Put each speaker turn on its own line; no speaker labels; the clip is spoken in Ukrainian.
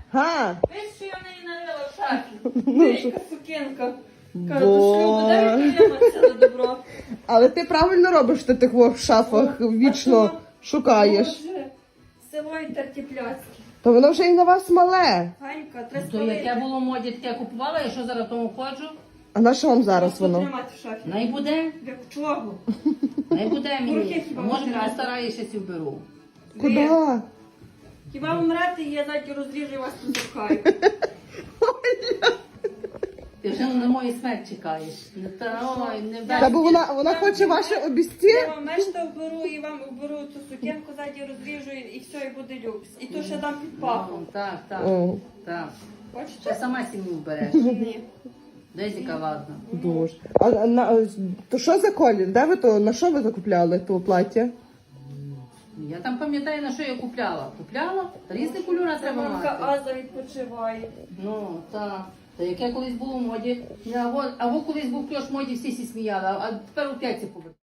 Га?
Весь, що я в неї налила в шафі. Велика сукенка. Кажу, до шлюбу,
Бо...
дай підтриматися на добро.
Але ти правильно робиш, що ти тих в шафах вічно шукаєш.
Боже, село і тертіпляцьке.
То воно вже і на вас мале.
Ганька, треба
То яке було в моді, таке купувала, я що зараз тому ходжу?
А на що вам зараз воно?
Тримати в шафі.
Най буде,
Як чого?
най буде
Руки
мені.
хіба
Може,
витирати?
мене стараєшся ці вберу.
Куди?
Хіба вмрете, і я ззаді розріжу і вас тут запхаю.
Ти вже на мою смерть чекаєш. Не ой, не
Та
вдасться.
бо вона хоче ваше обісті.
Я вам мешта вберу і вам вберу ту сукенку, ззаді розріжу і все, і буде люкс. І то ще дам під пахом.
Так, так,
О,
так. Ще
Хочете?
сама сім'ю вбереш.
Ні.
Дезіка, ладно.
дуже. То що за колір? Де ви то, на що ви закупляли то плаття?
Я там пам'ятаю, на що я купляла. Купляла? Різні кольори треба
Мамка
мати.
Аза відпочиває.
Ну, так. Та яке колись було в моді. Або колись був кльош в моді, всі сміяли, а тепер опять це побачили.